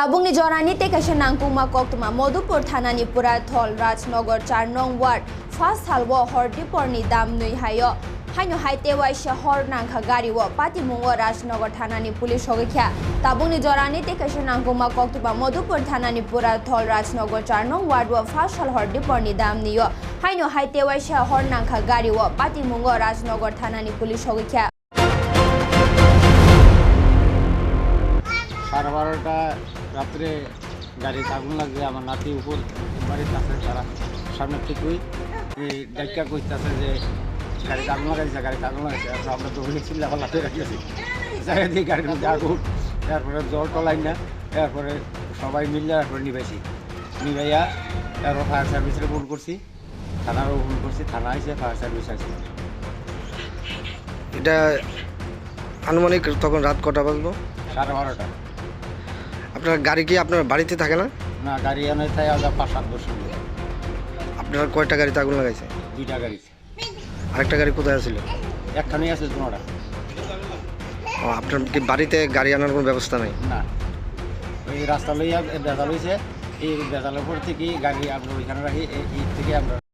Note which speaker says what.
Speaker 1: ताबुंगनि जरानि तेकाशे नांगपुमा कोक्तमा मधुपुर थानानि पुराथल राजनगर 4 नं वार्ड फास्ट हालवो हरदीपरनि दाम नुई हायो हाइनो हाइतेवाइ शहर नांखा गारिवो पातिमुंगो राजनगर थानानि पुलिस होगख्या ताबुंगनि जरानि तेकाशे नांगपुमा कोक्तमा मधुपुर थानानि पुराथल राजनगर 4 नं वार्ड वो फास्ट हाल हरदीपरनि दाम नियो हाइनो हाइतेवाइ शहर नांखा गारिवो पातिमुंगो राजनगर थानानि पुलिस होगख्या
Speaker 2: সাড়ে 12টা রাত্রে গাড়িতে আগুন লাগছে। আমার নাতি উপর বাড়িতে আছে, তারা সামনে থেকেই ডাক্কা করতেছে যে গাড়িতে আগুন লাগাইছে, গাড়িতে আগুন লাগাইছে। আমরা তো ওখানে চিল্লা পাল্লাতে রাখিয়েছি, জায়গা দিয়ে গাড়ির মধ্যে আগুন, তারপরে জল টলাই না, তারপরে সবাই মিললে তারপরে নিভাইয়া তারপর ফায়ার সার্ভিসের ফোন করছি, থানারও ফোন করছি, থানা আসে, ফায়ার সার্ভিস আসে।
Speaker 3: এটা আনুমানিক তখন রাত কটা বাজলো?
Speaker 2: 12:30।
Speaker 3: আপনার গাড়ি কি আপনার বাড়িতে থাকে না?
Speaker 2: না, গাড়ি এনে থাকে 5-7 বছর।
Speaker 3: আপনার কয়টা গাড়িতে আগুন লাগাইছে?
Speaker 2: 2টা গাড়ি।
Speaker 3: আরেকটা গাড়ি কোথায় ছিল?
Speaker 2: একখানেই আছে, দুটা।
Speaker 3: আপনার কি বাড়িতে গাড়ি আনার কোনো ব্যবস্থা নেই?
Speaker 2: না, ওই রাস্তা লইয়া বেজাল হয়েছে, এই বেজালের পর থেকে গাড়ি আমরা ওইখানে রাখি, এই থেকে আমরা